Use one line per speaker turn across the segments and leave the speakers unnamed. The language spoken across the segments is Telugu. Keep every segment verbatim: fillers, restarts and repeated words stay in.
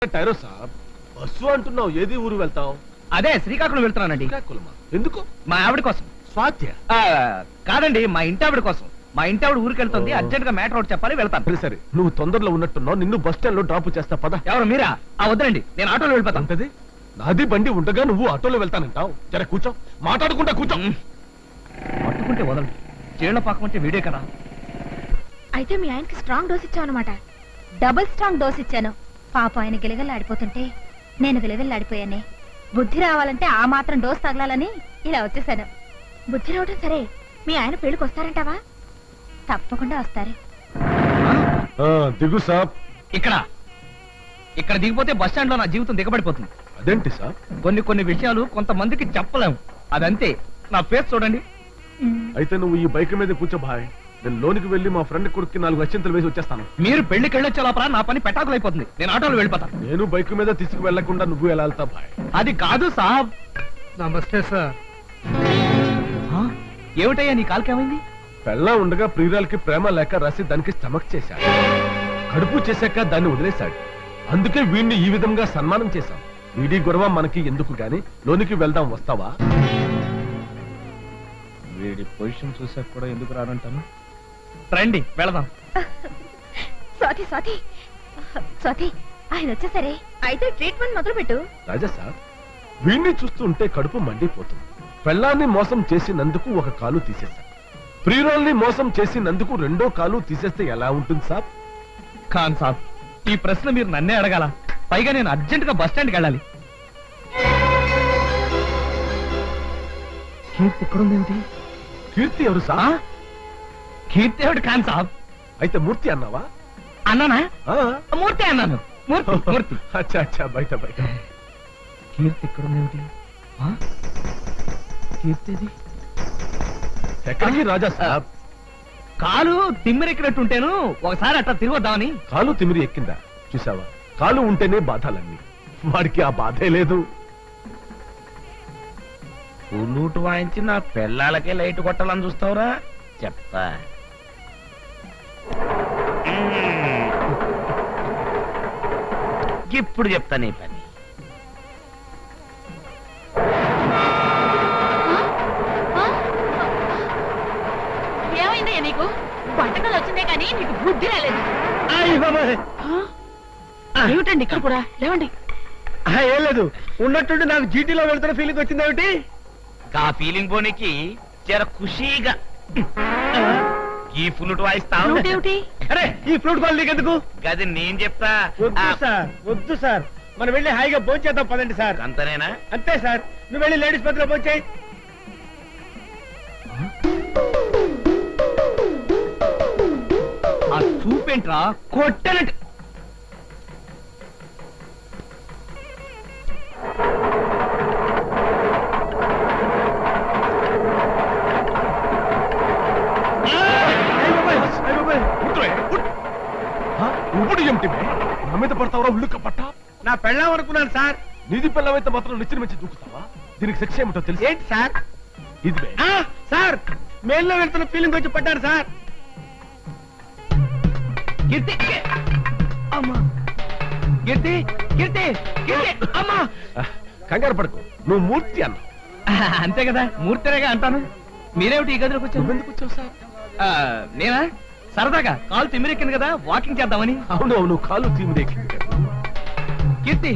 టైరో సాబ్ బస్సు అంటున్నావు, ఏది ఊరు వెళ్తావు?
అదే శ్రీకాకుళం వెళ్తున్నానండి.
శ్రీకాకుళమా? ఎందుకు?
మా ఆవిడ కోసం.
స్వాత్య?
కాదండి, మా ఇంటి ఆవిడ కోసం. మా ఇంటి ఆవిడ ఊరికి వెళ్తుంది, అర్జెంట్ గా మ్యాటర్ ఒకటి చెప్పాలి, వెళ్తాను.
సరే, నువ్వు తొందరలో ఉన్నట్టున్నావు, నిన్ను బస్ స్టాండ్ లో డ్రాప్ చేస్తా పద.
ఎవరు మీరా? ఆ వద్దండి, నేను ఆటోలో వెళ్ళిపోతాను.
అంతది నాది బండి ఉండగా నువ్వు ఆటోలో వెళ్తానంటావు? జర కూర్చో, మాట్లాడుకుంటా కూర్చో.
పట్టుకుంటే వదలండి, చీళ్ల పాకం అంటే వీడే కదా.
అయితే మీ ఆయనకి స్ట్రాంగ్ డోస్ ఇచ్చావు అనమాట. డబుల్ స్ట్రాంగ్ డోస్ ఇచ్చాను. పాప ఆయన గిలగల్లాడిపోతుంటే నేను గిలగల్లాడిపోయానే. బుద్ధి రావాలంటే ఆ మాత్రం డోస్ తగలాలని ఇలా వచ్చేసాను. బుద్ధి రావటం సరే, మీ ఆయన పెళ్లికి వస్తారంటావా? తప్పకుండా వస్తారు.
దిగు సాబ్.
ఇక్కడ ఇక్కడ దిగిపోతే బస్ స్టాండ్ లో నా జీవితం దిగబడిపోతుంది.
అదేంటి సాబ్?
కొన్ని కొన్ని విషయాలు కొంతమందికి చెప్పలేము, అదంతే. నా ఫేస్ చూడండి.
అయితే నువ్వు ఈ బైక్ మీద కూర్చో భాయ్, నేను లోనికి వెళ్లి మా ఫ్రెండ్ కొడుక్కి నాలుగు అత్యంతలు వేసి వచ్చేస్తాను.
మీరు పెళ్లికి వెళ్ళొచ్చే లోపల నా పని పెటాకులు అయిపోతుంది. నేను ఆటోలో వెళ్ళిపోతాను.
నేను బైక్ మీద తీసుకు వెళ్లకుండా నువ్వు ఎలా వెళ్తా భాయ్?
అది కాదు సాబ్.
నమస్తే సార్.
ఏమిటయ్యా నీ కాలుకేమైంది?
పెళ్ళా ఉండగా ప్రియురాలకి ప్రేమ లేక రాసి దానికి స్టమక్ చేశాడు. కడుపు చేశాక దాన్ని వదిలేశాడు. అందుకే వీడిని ఈ విధంగా సన్మానం చేశాం. వీడి గొడవ మనకి ఎందుకు గాని, లోనికి వెళ్దాం, వస్తావా?
వీడి పొజిషన్ చూసాక కూడా ఎందుకు రానంటాను. రండి వెళదాం.
స్వాతి స్వాతి స్వాతి ఆయన వచ్చేసరే. అయితే ట్రీట్మెంట్ మొదలు పెట్టు.
రాజా సార్, వీడిని చూస్తుంటే కడుపు మండిపోతుంది. పెళ్ళాన్ని మోసం చేసినందుకు ఒక కాలు తీసేశాం. ప్రియురాల్ని మోసం చేసినందుకు రెండో కాలు తీసేస్తే ఎలా ఉంటుంది సాబ్?
ఖాన్ సాబ్, ఈ ప్రశ్న మీరు నన్నే అడగాల. పైగా నేను అర్జెంట్ గా బస్ స్టాండ్కి వెళ్ళాలి. కీర్తి ఎక్కడుందేంటి?
కీర్తి ఎవరు సాబ్?
కీర్తి ఎవడు ఖాన్ సాబ్?
అయితే మూర్తి అన్నావా?
అన్నానా?
ఆ,
మూర్తి అన్నాను. మూర్తి మూర్తి.
అచ్చా అచ్చా, బయట బయట.
కీర్తి ఎక్కడుందేమిటి? కీర్తిది
ఎక్కడికి రాజా సాబ్?
కాలు తిమ్మిరెక్కినట్టుంటేను ఒకసారి అట్లా తిరిగొద్దామని.
కాలు తిమిరి ఎక్కిందా? చూసావా, కాలు ఉంటేనే బాధలన్నీ. వాడికి ఆ బాధే లేదు.
పుల్లూటు వాయించి నా పిల్లలకే లైట్ కొట్టాలని చూస్తావురా? చెప్తా. ఇప్పుడు చెప్తా నీ పని.
ఏమైందయ్యా నీకు? వంటకాలు వచ్చిందే కానీ నీకు బుద్ధి రాలేదు. ఏమిటండి ఇక్కడ కూడా? లేవండి.
ఏం లేదు, ఉన్నట్టుండి నాకు జీటీలో వెళ్తున్న ఫీలింగ్ వచ్చిందేమిటి?
ఆ ఫీలింగ్ పోనీకి జర ఖుషీగా ఈ ఫ్లూట్ వాయిస్తావు.
ఏమిటి?
అరే, ఈ ఫ్లూట్ కాల్ నీకెందుకు?
గది నేను చెప్తా.
వద్దు సార్, వద్దు సార్, మనం వెళ్ళి హాయిగా భోంచేద్దాం పదండి సార్.
అంతనేనా?
అంతే సార్, నువ్వు వెళ్ళి లేడీస్ పత్రిలో భోంచేయి.
ఆ చూపేంట్రా కొట్టనట్టు.
ఇప్పుడు ఏమిటి నా మీద పడతావరా? ఉల్లుక్క పట్ట.
నా పెళ్ళాం అనుకున్నాను సార్.
నీది పెళ్ళమైతే మాత్రం నిచ్చిన మంచి దూకుతావా? దీనికి శిక్ష ఏమిటో తెలుసు?
ఏంటి సార్?
ఇది బే.
ఆ, సార్, మేల్లో వెళ్తున్న ఫీలింగ్ వచ్చి పడ్డారు సార్.
కీర్తి అమ్మా, కీర్తి కీర్తి కీర్తి అమ్మా.
కంగారు పడకు, నువ్వు మూర్తి అన్నావు.
అంతే కదా, మూర్తిరేగా అంటాను. మీరేమిటి ఈ గదిలోకి వచ్చారు?
నువ్వెందుకు వచ్చావు సార్?
నేనా సరదాగా కాలు తిమ్మిరెక్కింది కదా, వాకింగ్ చేద్దామని.
అవును అవును, కాలు తీమిరెక్కింది.
కీర్తి.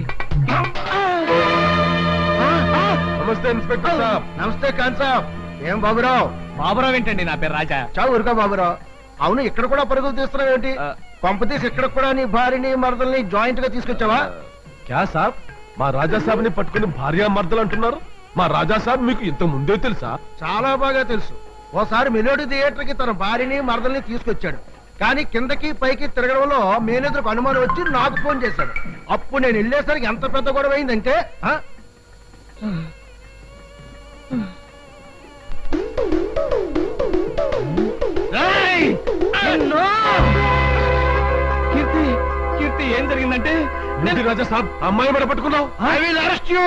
నమస్తే ఇన్స్పెక్టర్ సాబ్.
నమస్తే ఖాన్ సాబ్. ఏం బాబురావు?
బాబురావు ఏంటండి, నా పేరు రాజా.
చావు ఊరుగా బాబురావు. అవును, ఇక్కడ కూడా పరుగులు తీస్తున్నావు ఏంటి?
ఆ.
కొంపతీసి ఇక్కడ కూడా నీ భార్యని మరదల్ని జాయింట్ గా తీసుకొచ్చావా?
క్యా సాబ్, మా రాజా సాబ్ ని పట్టుకుని భార్యా మర్దలు అంటున్నారు? మా రాజా సాబ్ మీకు ఇంత ముందే తెలుసా?
చాలా బాగా తెలుసు. ఓసారి మెలోడీ థియేటర్ కి తన భార్యని మరదల్ని తీసుకొచ్చాడు. కానీ కిందకి పైకి తిరగడంలో మేనేజర్కు అనుమానం వచ్చి నాకు ఫోన్ చేశాడు. అప్పుడు నేను వెళ్ళేసరికి ఎంత పెద్ద గొడవ అయిందంటే, ఆ?
కీర్తి కీర్తి ఏం జరిగిందంటే
రాజా సాబ్, అమ్మాయి మీద పట్టుకున్నావు.
I will arrest you.